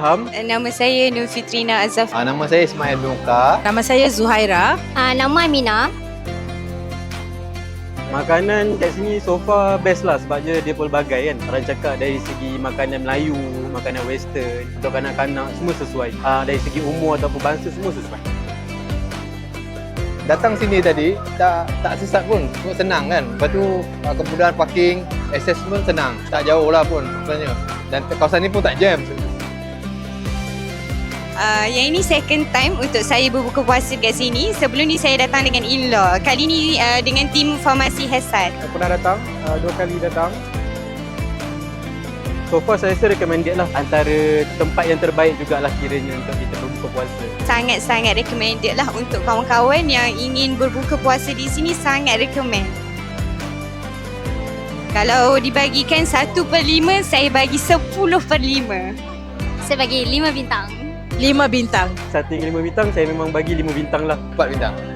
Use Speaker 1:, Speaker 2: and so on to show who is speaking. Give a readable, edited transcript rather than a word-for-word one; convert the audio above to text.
Speaker 1: Ilham.
Speaker 2: Nama saya Nur Fitrina Azaf.
Speaker 3: Nama saya Ismail Nuka.
Speaker 4: Nama saya Zuhaira.
Speaker 5: Nama Amina.
Speaker 1: Makanan kat sini so far best lah sebabnya dia pelbagai kan. Orang cakap dari segi makanan Melayu, makanan western, untuk kanak-kanak semua sesuai. Dari segi umur ataupun bangsa semua sesuai.
Speaker 3: Datang sini tadi tak sesat pun, senang kan. Lepas tu kemudahan parking, akses pun senang. Tak jauh lah pun sebenarnya. Dan kawasan ni pun tak jam.
Speaker 2: Yang ini second time untuk saya berbuka puasa kat sini. Sebelum ni saya datang dengan in-law. Kali ni dengan tim Farmasi Hesan.
Speaker 1: Saya pernah datang, 2 kali datang. So far saya rasa recommended lah. Antara tempat yang terbaik jugalah kiranya untuk kita berbuka puasa.
Speaker 2: Sangat-sangat recommended lah untuk kawan-kawan yang ingin berbuka puasa di sini, sangat recommend. Kalau dibagikan 1/5, saya bagi 10/5.
Speaker 5: Saya bagi 5 bintang.
Speaker 4: 5 bintang.
Speaker 1: 1 hingga 5 bintang, saya memang bagi 5 bintang lah.
Speaker 3: 4 bintang.